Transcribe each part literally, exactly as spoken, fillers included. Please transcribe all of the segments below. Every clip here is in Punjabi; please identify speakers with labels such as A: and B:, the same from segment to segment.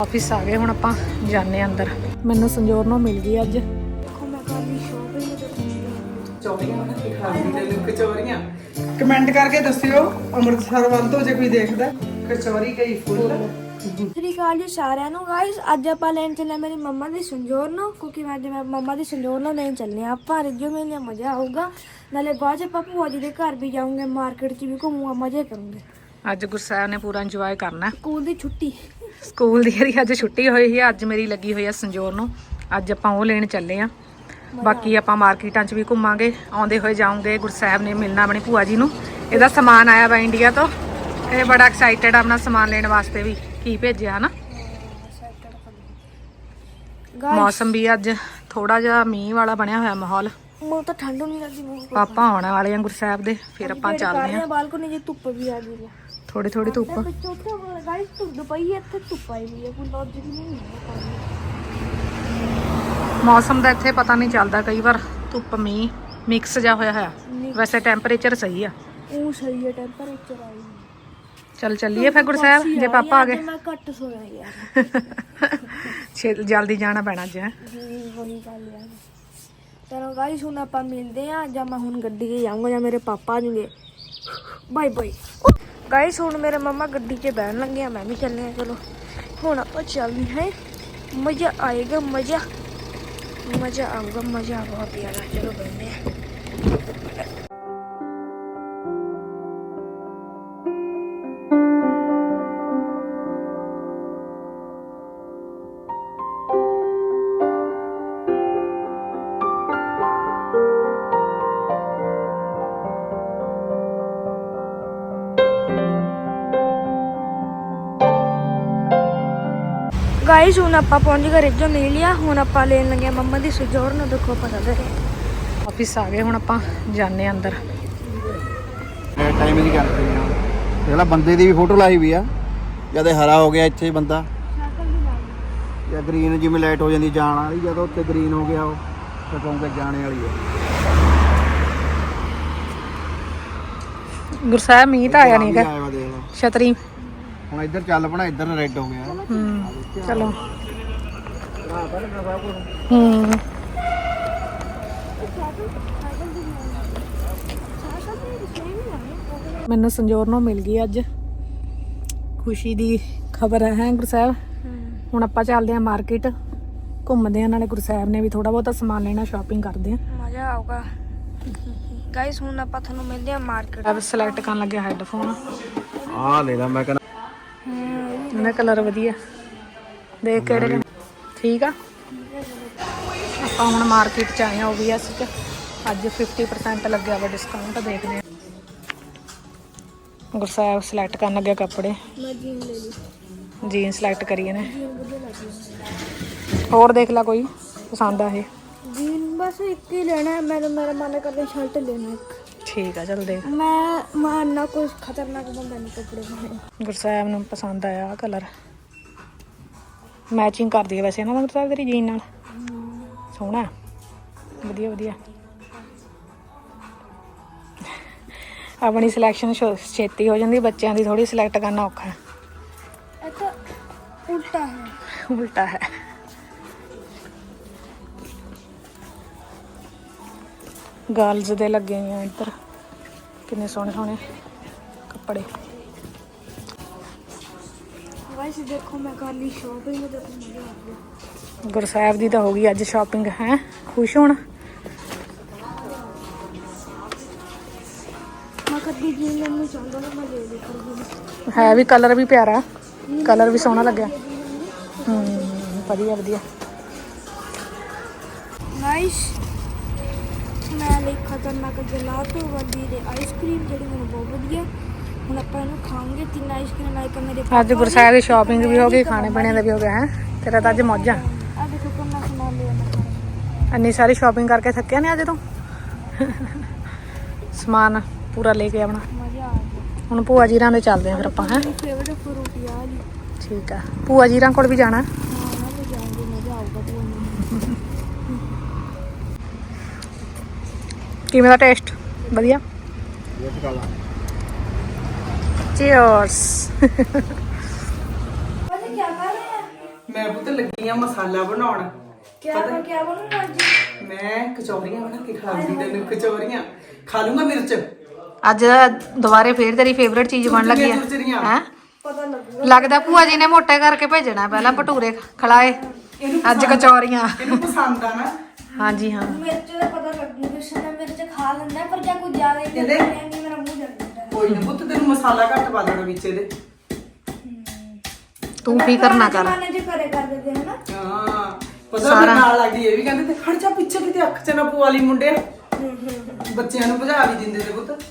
A: ऑफिस आ गए हुण आपां जाने अंदर। मैनूं संजोर नूं मिल गई अज।
B: कमेंट करके दस्सिओ अमृतसर वाल तो जे कोई देखदा कचौरी कई फुल।
C: ਸਤਿ ਸ਼੍ਰੀ ਅਕਾਲ ਜੀ ਸਾਰਿਆਂ ਨੂੰ ਗਾਇਸ। ਅੱਜ ਆਪਾਂ ਲੈਣ ਚੱਲੇ ਮੇਰੀ ਮੰਮਾ ਦੀ ਸੰਜੋਰ ਨੂੰ, ਕਿਉਂਕਿ ਅੱਜ ਮੈਂ ਮੰਮਾ ਦੀ ਸੰਜੋਰ ਨੂੰ ਲੈਣ ਚੱਲੇ ਆ ਆਪਾਂ। ਰਿਜੋ ਮੇਲੇ ਮਜ਼ਾ ਆਊਗਾ, ਨਾਲੇ ਬਾਅਦ ਚ ਆਪਾਂ ਭੂਆ ਜੀ ਦੇ ਘਰ ਵੀ ਜਾਊਂਗੇ, ਮਾਰਕੀਟ ਚ ਵੀ ਘੁੰਮੂਗਾ, ਮਜ਼ੇ ਕਰੂੰਗੇ।
A: ਅੱਜ ਗੁਰਸਾਹਿਬ ਨੇ ਪੂਰਾ ਇੰਜੋਏ ਕਰਨਾ।
C: ਸਕੂਲ ਦੀ ਛੁੱਟੀ,
A: ਸਕੂਲ ਦੀ ਜਿਹੜੀ ਅੱਜ ਛੁੱਟੀ ਹੋਈ ਹੈ, ਅੱਜ ਮੇਰੀ ਲੱਗੀ ਹੋਈ ਆ ਸੰਜੋਰ ਨੂੰ। ਅੱਜ ਆਪਾਂ ਉਹ ਲੈਣ ਚੱਲੇ ਆ। ਬਾਕੀ ਆਪਾਂ ਮਾਰਕੀਟਾਂ 'ਚ ਵੀ ਘੁੰਮਾਂਗੇ, ਆਉਂਦੇ ਹੋਏ ਜਾਊਂਗੇ। ਗੁਰਸਾਹਿਬ ਨੇ ਮਿਲਣਾ ਆਪਣੀ ਭੂਆ ਜੀ ਨੂੰ। ਇਹਦਾ ਸਮਾਨ ਆਇਆ ਵਾ ਇੰਡੀਆ ਤੋਂ, ਇਹ ਬੜਾ ਐਕਸਾਈਟਡ ਆ ਆਪਣਾ ਸਮਾਨ ਲੈਣ ਵਾਸਤੇ ਵੀ। ਕੀ ਭੇਜਿਆ ਹਨਾ। ਮੌਸਮ ਵੀ ਅੱਜ ਥੋੜਾ ਜਿਹਾ ਮੀਂਹ ਵਾਲਾ ਬਣਿਆ ਹੋਇਆ ਮਾਹੌਲ।
C: ਮੈਨੂੰ ਤਾਂ ਠੰਡ ਨਹੀਂ ਲੱਗਦੀ। ਮੈਨੂੰ
A: ਪਾਪਾ ਆਉਣ ਵਾਲੇ ਆ ਗੁਰਸਾਹਿਬ ਦੇ, ਫਿਰ ਆਪਾਂ ਚੱਲਦੇ ਆ।
C: ਬਾਲਕੋਨੀ ਜੇ ਧੁੱਪ ਵੀ ਆ ਗਈ ਹੈ,
A: ਥੋੜੀ ਥੋੜੀ ਧੁੱਪ।
C: ਗਾਇਸ ਧੁੱਪ ਪਈ ਹੈ ਇੱਥੇ, ਧੁੱਪ ਆਈ ਵੀ ਹੈ, ਕੋਈ ਲੌਜਿਕ ਨਹੀਂ ਹੈ।
A: ਮੌਸਮ ਦਾ ਇੱਥੇ ਪਤਾ ਨਹੀਂ ਚੱਲਦਾ, ਕਈ ਵਾਰ ਧੁੱਪ ਮੀਂਹ ਮਿਕਸ ਜਾ ਹੋਇਆ ਹੋਇਆ। ਵੈਸੇ ਟੈਂਪਰੇਚਰ ਸਹੀ ਆ,
C: ਉਹ ਸਹੀ ਹੈ ਟੈਂਪਰੇਚਰ ਆਈ।
A: ਚੱਲ ਚੱਲੀਏ ਫਿਰ ਗੁਰਸਾਹਿਬ, ਜੇ ਪਾਪਾ ਆ ਗਏ।
C: ਮੈਂ ਘੱਟ ਸੋਇਆ ਯਾਰ,
A: ਛੇ ਜਲਦੀ ਜਾਣਾ ਪੈਣਾ ਅੱਜ। ਹੈ
C: ਜੀ ਵਹੀ ਗੱਲ ਯਾਰ। ਚਲੋ ਗਾਇਸ ਹੁਣ ਆਪਾਂ ਮਿਲਦੇ ਆ, ਜਾਂ ਮੈਂ ਹੁਣ ਗੱਡੀ 'ਚ ਜਾਊਂਗਾ ਜਾਂ ਮੇਰੇ ਪਾਪਾ ਆ ਜਾਣਗੇ। Bye bye guys. ਹੁਣ ਮੇਰੇ ਮੰਮਾ ਗੱਡੀ 'ਚ ਬਹਿਣ ਲੱਗੇ ਆ, ਮੈਂ ਵੀ ਚੱਲੇ ਆ। ਚਲੋ ਹੁਣ ਆਪਾਂ ਚੱਲਦੇ ਹਾਂ, ਮਜ਼ਾ ਆਏਗਾ, ਮਜ਼ਾ ਮਜ਼ਾ ਆਊਗਾ, ਮਜ਼ਾ ਬਹੁਤ ਜ਼ਿਆਦਾ। ਚਲੋ ਬਹਿੰਦੇ ਆ। ਗਾਇਸ ਹੁਣ ਆਪਾਂ ਪਹੁੰਚ ਗਏ ਰਿਜੋ ਮਿਲ ਲਿਆ। ਹੁਣ ਆਪਾਂ ਲੈਣ ਲੱਗੇ ਆ ਮੰਮਾ ਦੀ ਸੰਜੋਰ ਨੂੰ। ਦੇਖੋ ਆਪਾਂ ਚੱਲ ਰਹੇ
A: ਆਫਿਸ ਆ ਗਏ, ਹੁਣ ਆਪਾਂ ਜਾਣੇ ਅੰਦਰ।
D: ਇਹ ਟਾਈਮ ਦੀ ਗੱਲ ਕਰੀ ਆ, ਜਿਹੜਾ ਬੰਦੇ ਦੀ ਵੀ ਫੋਟੋ ਲਾਈ ਵੀ ਆ। ਜਦ ਇਹ ਹਰਾ ਹੋ ਗਿਆ ਇੱਥੇ ਬੰਦਾ, ਜਾਂ ਗ੍ਰੀਨ ਜਿਵੇਂ ਲਾਈਟ ਹੋ ਜਾਂਦੀ ਜਾਣ ਵਾਲੀ, ਜਦੋਂ ਉੱਤੇ ਗ੍ਰੀਨ ਹੋ ਗਿਆ ਉਹ ਤਾਂ ਕਹੂੰਗਾ ਜਾਣੇ ਵਾਲੀ ਹੈ।
A: ਗੁਰਸਾਹਿਬ ਮੀਂਹ ਤਾਂ ਆਇਆ ਨਹੀਂਗਾ,
D: ਆਇਆ ਵਾ ਦੇਖ ਲਓ।
A: ਛਤਰੀ
D: ਹੁਣ ਇੱਧਰ ਚੱਲ ਪਣਾ, ਇੱਧਰ ਰੈੱਡ ਹੋ ਗਿਆ।
A: ਹੂੰ ਚਲੋ। ਹੂੰ ਮੈਨੂੰ ਸੰਜੋਰ ਨੂੰ ਮਿਲ ਗਈ ਅੱਜ, ਖੁਸ਼ੀ ਦੀ ਖਬਰ ਹੈ ਗੁਰਸਾਹਿਬ। ਹੁਣ ਆਪਾਂ ਚੱਲਦੇ ਹਾਂ ਮਾਰਕੀਟ, ਘੁੰਮਦੇ ਹਾਂ, ਨਾਲੇ ਗੁਰਸਾਹਿਬ ਨੇ ਵੀ ਥੋੜਾ ਬਹੁਤਾ ਸਮਾਨ ਲੈਣਾ, ਸ਼ਾਪਿੰਗ ਕਰਦੇ ਹਾਂ,
C: ਮਜ਼ਾ ਆਊਗਾ। ਗਾਇਸ ਹੁਣ ਆਪਾਂ ਤੁਹਾਨੂੰ ਮਿਲਦੇ ਆ ਮਾਰਕੀਟ।
A: ਅਬ ਸਿਲੈਕਟ ਕਰਨ ਲੱਗਿਆ ਹੈੱਡਫੋਨ।
D: ਆਹ ਲੈ ਲਾ, ਮੈਂ ਕਹਿੰਦਾ
A: ਇਹਦਾ ਕਲਰ ਵਧੀਆ, ਦੇਖ ਕਿਹੜੇ ਲੈਣੇ। ਠੀਕ ਆ। ਆਪਾਂ ਹੁਣ ਮਾਰਕੀਟ 'ਚ ਆਏ ਹਾਂ ਓ ਵੀ ਐਸ 'ਚ। ਅੱਜ ਫਿਫਟੀ ਪਰਸੈਂਟ ਲੱਗਿਆ ਵਾ ਡਿਸਕਾਊਂਟ, ਦੇਖਦੇ ਹਾਂ। ਗੁਰਸਾਹਿਬ ਸਿਲੈਕਟ ਕਰਨ ਲੱਗਿਆ ਕੱਪੜੇ।
C: ਮੈਂ ਜੀਨ ਲੈ ਲਈ,
A: ਜੀਨ ਸਿਲੈਕਟ ਕਰੀਏ ਨੇ।
C: ਜੀਨ ਵਧੀਆ ਲੱਗੀ।
A: ਹੋਰ ਦੇਖ ਲਾ ਕੋਈ ਪਸੰਦ ਆ ਇਹ।
C: ਜੀਨ ਬਸ ਇੱਕ ਹੀ ਲੈਣਾ ਹੈ। ਮੇਰਾ ਮੇਰਾ ਮਨ ਕਰਦਾ ਸ਼ਰਟ ਲੈਣਾ ਇੱਕ।
A: ਠੀਕ ਆ, ਚੱਲ ਦੇਖ।
C: ਮੈਂ ਮੈਂ ਨਾ ਕੋਈ ਖਤਰਨਾਕ ਬੰਦਾ ਨਹੀਂ ਕੱਪੜੇ ਪਾਏ।
A: ਗੁਰਸਾਹਿਬ ਨੂੰ ਪਸੰਦ ਆਇਆ ਆਹ ਕਲਰ, ਮੈਚਿੰਗ ਕਰਦੀ ਹੈ ਵੈਸੇ ਨਾ ਗੁਰਸਾਹਿਬ ਤੇਰੀ ਜੀਨ ਨਾਲ। ਸੋਹਣਾ, ਵਧੀਆ ਵਧੀਆ। ਆਪਣੀ ਸਿਲੈਕਸ਼ਨ ਛੇਤੀ ਹੋ ਜਾਂਦੀ, ਬੱਚਿਆਂ ਦੀ ਥੋੜੀ ਸਿਲੈਕਟ ਕਰਨਾ ਔਖਾ ਹੈ।
C: ਇਹ ਤਾਂ ਉਲਟਾ ਹੈ,
A: ਉਲਟਾ ਹੈ। ਗਰਲਜ਼ ਦੇ ਲੱਗੇ ਹੋਏ ਆ ਇੱਧਰ, ਕਿੰਨੇ ਸੋਹਣੇ ਸੋਹਣੇ ਕੱਪੜੇ।
C: ਗਾਇਸ ਦੇਖੋ ਮੈਂ ਕਰ ਲਈ ਸ਼ਾਪਿੰਗ, ਤੇ ਮਜ਼ਾ ਆ ਗਿਆ।
A: ਗੁਰਸਾਹਿਬ ਦੀ ਤਾਂ ਹੋ ਗਈ ਅੱਜ ਸ਼ਾਪਿੰਗ। ਹੈ ਖੁਸ਼ ਹੋਣਾ।
C: ਮੈਂ ਕਦੀ ਜੀਨ ਲੈਣੀ ਚਾਹੁੰਦਾ ਨਾ, ਮੈਂ ਲੈ ਲਈ ਕਰੂੰਗੀ।
A: ਹੈ ਵੀ ਕਲਰ ਵੀ ਪਿਆਰਾ, ਕਲਰ ਵੀ ਸੋਹਣਾ ਲੱਗਿਆ। ਹੂੰ ਵਧੀਆ ਵਧੀਆ।
C: ਗਾਇਸ ਮੈਂ ਲਈ ਖਤਰਨਾਕ ਜਲਾਟੋ ਵਾਲੀ ਦੇ ਆਈਸਕ੍ਰੀਮ, ਜਿਹੜੀ ਮੈਨੂੰ ਬਹੁਤ ਵਧੀਆ। ਹੁਣ ਆਪਾਂ ਇਹਨੂੰ ਖਾਵਾਂਗੇ, ਤਿੰਨ ਆਈਸਕ੍ਰੀਮ ਲਾਇਕ ਮੇਰੇ।
A: ਅੱਜ ਗੁਰਸਾਹਿਬ ਦੀ ਸ਼ਾਪਿੰਗ ਵੀ ਹੋ ਗਈ, ਖਾਣੇ ਪੀਣੇ ਦਾ ਵੀ ਹੋ ਗਿਆ। ਹੈ ਤੇਰਾ ਤਾਂ ਅੱਜ ਮੌਜਾਂ।
C: ਆ ਦੇਖੋ ਕਿੰਨਾ ਸਮਾਨ ਲਿਆ ਮੈਂ।
A: ਇੰਨੀ ਸਾਰੀ ਸ਼ਾਪਿੰਗ ਕਰਕੇ ਥੱਕਿਆ ਨੇ ਅੱਜ ਤੋਂ। ਸਮਾਨ ਪੂਰਾ ਲੈ ਕੇ ਆਉਣਾ।
C: ਮਜ਼ਾ ਆ ਗਿਆ।
A: ਹੁਣ ਭੂਆ ਜੀਰਾਂ ਦੇ ਚੱਲਦੇ ਆ ਫਿਰ ਆਪਾਂ। ਹੈ
C: ਮੇਰੀ ਫੇਵਰਟ ਫਰੂਟ ਆ ਜੀ।
A: ਠੀਕ ਆ, ਭੂਆ ਜੀਰਾਂ ਕੋਲ ਵੀ ਜਾਣਾ।
C: ਹਾਂ ਮੈਂ ਵੀ ਜਾਊਂਗੀ, ਮਜ਼ਾ ਆਊਗਾ ਤੁਹਾਨੂੰ।
A: ਕਿਵੇਂ ਦਾ ਟੇਸਟ? ਵਧੀਆ। ਚੀਅਰਸ।
C: क्या कर रहे हैं?
B: ਮੈਂ ਪੁੱਤ ਲੱਗੀ ਆ ਮਸਾਲਾ ਬਣਾਉਣ।
C: क्या पर क्या बनूंगा आज?
B: ਮੈਂ ਕਚੌਰੀਆਂ ਬਣਾ ਕੇ ਖਿਲਾਉਂਦੀ ਤੈਨੂੰ। ਕਚੌਰੀਆਂ ਖਾ ਲੂੰਗਾ ਮਿਰਚ।
A: ਅੱਜ ਦੁਬਾਰੇ ਫੇਰ ਤੇਰੀ ਫੇਵਰੇਟ ਚੀਜ਼ ਬਣ ਲੱਗੀ
B: ਚੂਚਰੀਆਂ।
A: ਹੈ
C: पता लगूगा।
A: ਲੱਗਦਾ ਭੂਆ ਜੀ ਨੇ ਮੋਟੇ ਕਰਕੇ ਭੇਜਣਾ ਪਹਿਲਾਂ ਭਟੂਰੇ ਖਿਲਾਏ
B: ਇਹਨੂੰ
A: ਅੱਜ ਕਚੌਰੀਆਂ।
B: ਇਹਨੂੰ ਪਸੰਦ ਆ ਨਾ।
A: ਹਾਂਜੀ ਹਾਂ
C: मिर्च का पता लगूगा कृष्ण ने मिर्च खा लेना है पर क्या कुछ ज्यादा ही
B: ਇਹਦੇ
C: नहीं मेरा मुंह जल जाता है।
B: ਕੋਈ ਨਾ ਪੁੱਤ ਤੈਨੂੰ ਮਸਾਲਾ ਘੱਟ ਪਾ ਦੇਣਾ ਵਿੱਚ ਇਹਦੇ।
A: ਤੂੰ ਫਿਕਰ ਨਾ ਕਰ।
C: मैंने जो करे कर देते हैं ना।
B: ਹਾਂ ਪਤਾ ਮੇਰੇ ਨਾਲ ਲੱਗਦੀ ਇਹ ਵੀ ਕਹਿੰਦੇ ਤੇ ਖੜ ਜਾ ਪਿੱਛੇ ਕਿਤੇ ਅੱਖ ਚ ਨਾ ਪਵਾ ਲਈ ਮੁੰਡਿਆ। ਬੱਚਿਆਂ ਨੂੰ ਭਜਾ ਵੀ ਦਿੰਦੇ ਨੇ ਪੁੱਤ।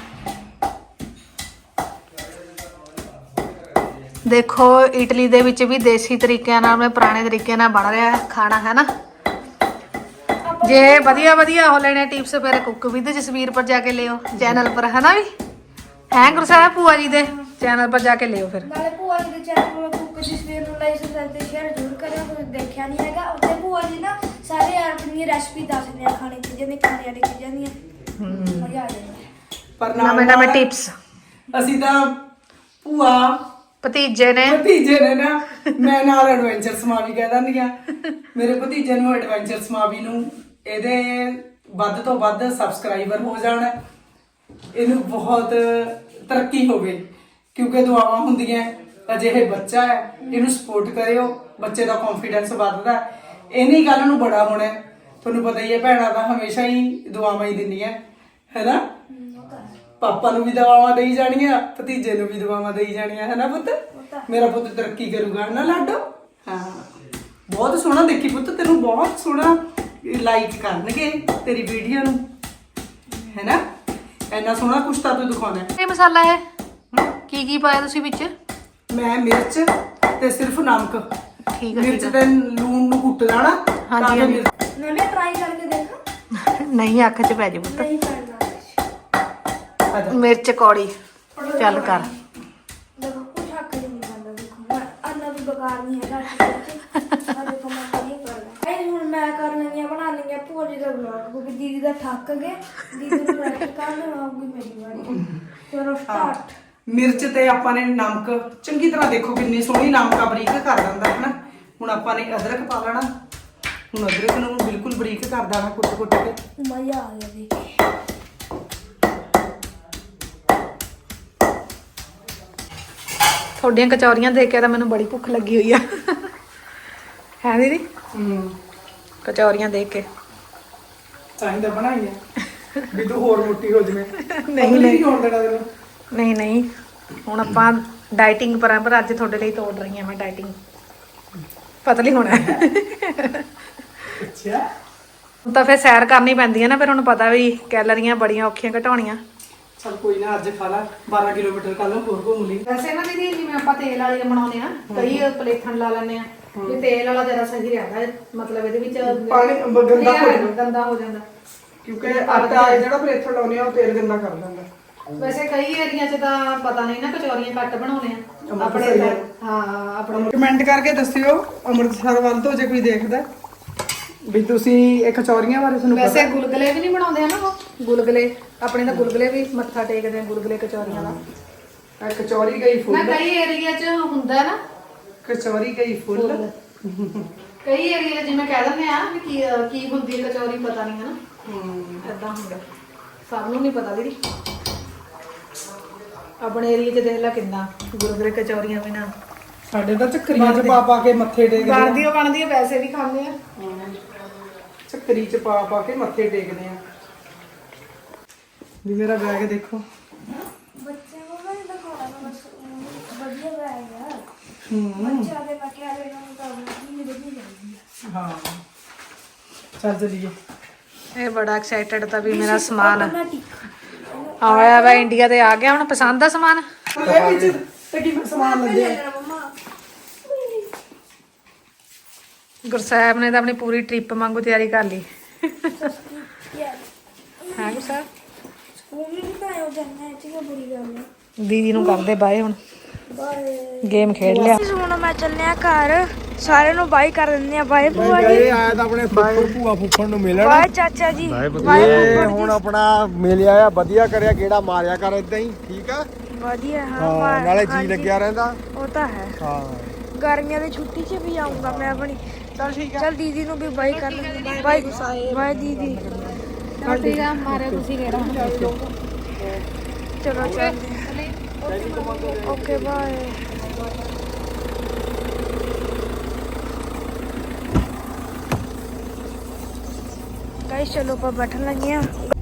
A: ਦੇਖੋ ਇਟਲੀ ਦੇ ਵਿੱਚ ਵੀ ਦੇਸੀ ਤਰੀਕਿਆਂ ਨਾਲ ਪੁਰਾਣੇ ਤਰੀਕੇ ਨਾਲ ਬਣ ਰਿਹਾ ਖਾਣਾ ਹੈ ਨਾ। ਜੇ ਵਧੀਆ ਵਧੀਆ ਹੋ ਲੈਣੇ ਟਿਪਸ ਫਿਰ ਕੁੱਕ ਵਿਦ ਜਸਵੀਰ ਪਰ ਜਾ ਕੇ ਲਿਓ ਚੈਨਲ ਪਰ ਹੈ ਨਾ ਵੀ ਹੈ ਗੁਰਸਾਹਿਬ ਭੂਆ ਜੀ ਦੇ ਚੈਨਲ ਪਰ ਜਾ ਕੇ ਲਿਓ ਫਿਰ।
C: ਨਾਲੇ ਭੂਆ ਜੀ ਦੇ ਚੈਨਲ ਨੂੰ ਕੁੱਕ ਜਸਵੀਰ ਨੂੰ ਲਾਈਕ ਸਬਸਕ੍ਰਾਈਬ ਤੇ ਸ਼ੇਅਰ ਜ਼ਰੂਰ ਕਰਿਓ। ਤੁਸੀਂ ਦੇਖਿਆ ਨਹੀਂ ਹੈਗਾ ਉੱਥੇ ਭੂਆ ਜੀ ਨਾ ਸਾਰੇ ਆਪਣੀ ਰੈਸਪੀ ਦੱਸਦੇ ਆ ਖਾਣੇ ਦੀ ਜਿਹਨੇ ਖਾਣੇ ਵਾਲੀ ਚੀਜ਼ਾਂ ਦੀਆਂ। ਮਜ਼ਾ ਆ ਜਾਂਦਾ।
B: ਪਰ
A: ਨਵੇਂ ਨਵੇਂ ਟਿਪਸ
B: ਅਸੀਂ ਤਾਂ ਭੂਆ
A: ਭਤੀਜੇ ਨੇ
B: ਭਤੀਜੇ ਨੇ ਨਾ ਮੈਂ ਨਾਲ ਐਡਵੈਂਚਰ ਸਮਾਵੀ ਕਹਿ ਦਿੰਦੀ ਆ। ਮੇਰੇ ਭਤੀਜੇ ਨੂੰ ਐਡਵੈਂਚਰ ਸਮਾਵੀ ਨੂੰ ਇਹਦੇ ਵੱਧ ਤੋਂ ਵੱਧ ਸਬਸਕ੍ਰਾਈਬਰ ਹੋ ਜਾਣ। ਇਹਨੂੰ ਬਹੁਤ ਤਰੱਕੀ ਹੋਵੇ ਕਿਉਂਕਿ ਦੁਆਵਾਂ ਹੁੰਦੀਆਂ। ਅਜਿਹੇ ਬੱਚਾ ਹੈ ਇਹਨੂੰ ਸਪੋਰਟ ਕਰਿਓ। ਬੱਚੇ ਦਾ ਕੌਨਫੀਡੈਂਸ ਵੱਧਦਾ। ਇਹਨੀ ਗੱਲ ਨੂੰ ਬੜਾ ਹੋਣਾ। ਤੁਹਾਨੂੰ ਪਤਾ ਹੀ ਹੈ ਭੈਣਾਂ ਤਾਂ ਹਮੇਸ਼ਾ ਹੀ ਦੁਆਵਾਂ ਹੀ ਦਿੰਦੀਆਂ ਹੈਨਾ। ਪਾਪਾ ਨੂੰ ਵੀ ਦੁਆਵਾਂ ਦੇਈ ਜਾਣੀਆਂ ਭਤੀਜੇ ਨੂੰ ਵੀ ਦੁਆਵਾਂ ਦੇਈ ਜਾਣੀਆਂ ਹੈ ਨਾ ਪੁੱਤ। ਮੇਰਾ ਪੁੱਤ ਤਰੱਕੀ ਕਰੂਗਾ ਨਾ ਲਾਡੋ। ਹਾਂ ਬਹੁਤ ਸੋਹਣਾ ਦੇਖੀ ਪੁੱਤ ਤੈਨੂੰ ਬਹੁਤ ਸੋਹਣਾ ਲਾਈਕ ਕਰਨਗੇ ਤੇਰੀ ਵੀਡੀਓ ਨੂੰ ਹੈ ਨਾ। ਇੰਨਾ ਸੋਹਣਾ ਕੁਛ ਤਾਂ ਤੂੰ ਦਿਖਾਉਣਾ।
A: ਇਹ ਮਸਾਲਾ ਹੈ ਕੀ ਕੀ ਪਾਇਆ ਤੁਸੀਂ ਵਿੱਚ?
B: ਮੈਂ ਮਿਰਚ ਤੇ ਸਿਰਫ ਨਮਕ
A: ਠੀਕ ਹੈ
B: ਮਿਰਚ ਤੇ ਲੂਣ ਨੂੰ ਕੁੱਟ ਲੈਣਾ।
A: ਹਾਂਜੀ, ਹਾਂਜੀ।
C: मैंने ट्राई करके देखा
A: ਨਹੀਂ ਅੱਖ 'ਚ ਪੈ ਜੇ ਪੁੱਤ
C: नहीं करना।
A: ਮਿਰਚ ਕੌੜੀ ਚੱਲ ਕਰ।
C: देखो कुछ हक नहीं करना। देखो मैं अन्ना भी बेकार नहीं है घर अरे तो मैं नहीं करना। आई हुन मैं कर लेंगे बना लेंगे भूआ जी का ब्लॉग क्योंकि दीदी का थक गए। दीदी को बैठ कर आऊंगी मेरी बारी। चलो स्टार्ट।
B: ਮਿਰਚ ਤੇ ਆਪਾਂ ਨੇ ਨਮਕ ਚੰਗੀ ਤਰ੍ਹਾਂ ਦੇਖੋ ਕਿੰਨੀ ਸੋਹਣੀ ਨਮਕਾ ਬਰੀਕ ਕਰ ਦਿੰਦਾ ਹੈ ਨਾ। ਹੁਣ ਆਪਾਂ ਨੇ ਅਦਰਕ ਪਾ ਲੈਣਾ। ਹੁਣ ਅਦਰਕ ਨੂੰ ਬਿਲਕੁਲ ਬਰੀਕ ਕਰ ਦੇਣਾ ਕੁੱਟ ਕੁੱਟ ਕੇ।
C: मजा आ गया देखिए।
A: ਤੁਹਾਡੀਆਂ ਕਚੌਰੀਆਂ ਦੇਖ ਕੇ ਤਾਂ ਮੈਨੂੰ ਬੜੀ ਭੁੱਖ ਲੱਗੀ ਹੋਈ ਆ ਹੈ ਦੀਦੀ
B: ਹੂੰ
A: ਕਚੌਰੀਆਂ ਦੇਖ ਕੇ।
B: ਚਾਹੀਦਾ ਬਣਾਈ ਆ ਵੀ ਤੂੰ ਹੋਰ ਮੋਟੀ ਹੋ ਜਵੇਂ।
A: ਨਹੀਂ, ਨਹੀਂ।
B: ਹੋਣ ਦੇਣਾ ਤੈਨੂੰ।
A: ਨਹੀਂ ਨਹੀਂ ਹੁਣ ਆਪਾਂ ਡਾਈਟਿੰਗ ਪਰ ਆ ਪਰ ਅੱਜ ਤੁਹਾਡੇ ਲਈ ਤੋੜ ਰਹੀ ਹਾਂ ਮੈਂ ਡਾਈਟਿੰਗ ਪਤਲੀ ਹੋਣਾ।
B: ਅੱਛਾ
A: ਹੁਣ ਤਾਂ ਫਿਰ ਸੈਰ ਕਰਨੀ ਪੈਂਦੀ ਹੈ ਨਾ ਫਿਰ ਹੁਣ ਪਤਾ ਵੀ ਕੈਲਰੀਆਂ ਬੜੀਆਂ ਔਖੀਆਂ ਘਟਾਉਣੀਆਂ।
B: ਚਲ ਕੋਈ ਨਾ ਅੱਜ ਖਾ ਲਾ ਬਾਰਾਂ ਕਿਲੋਮੀਟਰ ਕੱਲ ਹੋਰ ਘੁੰਮ ਲਈ।
A: ਵੈਸੇ ਨਾ ਦੀਦੀ ਜਿਵੇਂ ਆਪਾਂ ਤੇਲ ਵਾਲੀ ਬਣਾਉਂਦੇ ਆ ਕਈ ਪਲੇਥਣ ਲਾ ਲੈਂਦੇ ਆ ਵੀ ਤੇਲ ਵਾਲਾ ਜ਼ਿਆਦਾ ਸਹੀ ਰਹਿੰਦਾ ਮਤਲਬ ਇਹਦੇ ਵਿੱਚ
B: ਪਾਣੀ ਗੰਦਾ ਹੋ ਜਾਂਦਾ।
A: ਗੰਦਾ ਹੋ ਜਾਂਦਾ
B: ਕਿਉਂਕਿ ਆਟਾ ਜਿਹੜਾ ਪਲੇਥਰ ਲਾਉਨੇ ਆ ਉਹ ਤੇਲ ਗੰਦਾ ਕਰ ਦਿੰਦਾ।
A: ਵੈਸੇ ਕਈ ਏਰੀਆ 'ਚ ਤਾਂ ਪਤਾ ਨਹੀਂ ਨਾ ਕਚੌਰੀਆਂ ਘੱਟ ਬਣਾਉਂਦੇ ਆ ਆਪਣੇ
B: ਸਹੀ ਹੈ।
A: ਹਾਂ ਆਪਣੇ
B: ਕਮੈਂਟ ਕਰਕੇ ਦੱਸਿਓ ਅੰਮ੍ਰਿਤਸਰ ਵੱਲ ਤੋਂ ਜੇ ਕੋਈ ਦੇਖਦਾ ਵੀ ਤੁਸੀਂ ਇਹ ਕਚੌਰੀਆਂ ਬਾਰੇ ਤੁਹਾਨੂੰ ਪਤਾ।
A: ਵੈਸੇ ਗੁਲਗਲੇ ਵੀ ਨਹੀਂ ਬਣਾਉਂਦੇ ਆ ਨਾ ਉਹ ਗੁਲਗਲੇ ਆਪਣੇ ਤਾਂ ਗੁਲਗਲੇ ਵੀ ਮੱਥਾ ਟੇਕਦੇ ਆ ਗੁਲਗਲੇ ਕਚੌਰੀਆਂ ਦਾ।
B: ਇਹ ਕਚੌਰੀ ਗਈ
A: ਨਾ
B: ਫੁੱਲ।
A: ਕਈ ਏਰੀਆ 'ਚ ਹੁੰਦਾ ਨਾ
B: ਕਚੌਰੀ ਗਈ ਫੁੱਲ।
A: ਕਈ ਏਰੀਆ ਜਿਵੇਂ ਕਹਿ ਦਿੰਦੇ ਆ ਵੀ ਕੀ ਕੀ ਹੁੰਦੀ ਹੈ ਕਚੌਰੀ ਪਤਾ ਨਹੀਂ ਹੈ ਨਾ
B: ਹੂੰ
A: ਏਦਾਂ ਹੁੰਦਾ ਸਭ ਨੂੰ ਨਹੀਂ ਪਤਾ ਦੀਦੀ। ਆਪਣੇ ਏਰੀਆ 'ਚ ਦੇਖ ਲੈ ਕਿੰਨਾ ਗੁਰਗੁਰੇ ਕਚੌਰੀਆਂ ਵੀ ਨਾ
B: ਸਾਡੇ ਤਾਂ ਚੱਕਰੀਆਂ ਚ ਪਾ ਪਾ ਕੇ ਮੱਥੇ ਟੇਕਦੇ ਆ।
A: ਬਣਦੀਆਂ ਬਣਦੀਆਂ ਪੈਸੇ ਵੀ ਖਾਂਦੇ ਆ।
B: ਚੱਕਰੀ ਚ ਪਾ ਪਾ ਕੇ ਮੱਥੇ ਟੇਕਦੇ ਆ। ਵੀ ਮੇਰਾ ਬੈਗ ਦੇਖੋ।
C: बच्चे को मैं दिखाना बस बढ़िया रहेगा।
B: ਹੂੰ
C: बच्चा दे मैं क्या लेना उनका नहीं बढ़िया जाएगी।
B: ਹਾਂ ਚੱਲ ਚਲੀਏ।
A: ਇਹ ਬੜਾ ਐਕਸਾਈਟਡ ਤਾਂ ਵੀ ਮੇਰਾ ਸਮਾਨ
C: ऑटोमेटिक
A: ਆਇਆ ਵਾ ਇੰਡੀਆ ਤੇ ਆ ਗਿਆ ਹੁਣ ਪਸੰਦ ਆ ਸਮਾਨ।
B: ਇਹ ਵਿੱਚ ਤੇ ਕੀ ਸਮਾਨ ਲੱਗੇ ਆ?
C: मम्मा
A: ਗੁਰਸਾਹਿਬ ਨੇ ਤਾਂ ਆਪਣੀ ਪੂਰੀ ਟ੍ਰਿਪ ਵਾਂਗੂ ਤਿਆਰੀ ਕਰ ਲਈ
C: यार
A: ਹੈ ਗੁਰਸਾਹਿਬ।
C: स्कूल में नहीं पाया जाना है ठीक है बुरी गल है।
A: ਦੀਦੀ ਨੂੰ ਕਰਦੇ ਬਾਏ ਹੁਣ
C: बाय
A: ਗੇਮ ਖੇਡ ਲਿਆ।
C: ਹੁਣ ਮੈਂ ਚੱਲਿਆ ਘਰ ਸਾਰਿਆਂ ਨੂੰ ਬਾਈ ਕਰ ਦਿੰਦੇ ਆ ਬਾਈ ਭੂਆ ਜੀ
D: ਇਹ ਆਇਆ ਤਾਂ ਆਪਣੇ ਫੁੱਫੜ ਭੂਆ ਫੁੱਫੜ ਨੂੰ ਮਿਲਣ।
C: ਬਾਈ ਚਾਚਾ ਜੀ
D: ਇਹ ਹੁਣ ਆਪਣਾ ਮਿਲਿਆ ਆ ਵਧੀਆ ਕਰਿਆ ਗੇੜਾ ਮਾਰਿਆ ਕਰ ਇਦਾਂ ਹੀ ਠੀਕ ਆ।
C: ਵਧੀਆ ਹਾਂ
D: ਹਾਂ
C: ਮਾਰ-
D: ਨਾਲੇ ਜੀ
C: ਹਾਂਜੀ,
D: ਲੱਗਿਆ ਰਹਿੰਦਾ।
C: ਉਹ ਤਾਂ ਹੈ।
D: ਹਾਂ
C: गर्मियों की छुट्टी च भी आऊँगा मैं अपनी।
A: चल ठीक है।
C: चल दीदी नु भी बाय कर लेंगे। बाय बाय दीदी।
A: ठीक है मारे खुशी कह रहा
C: चलो चल ओके बाय। गाइस चलो पर बैठन लगे हैं।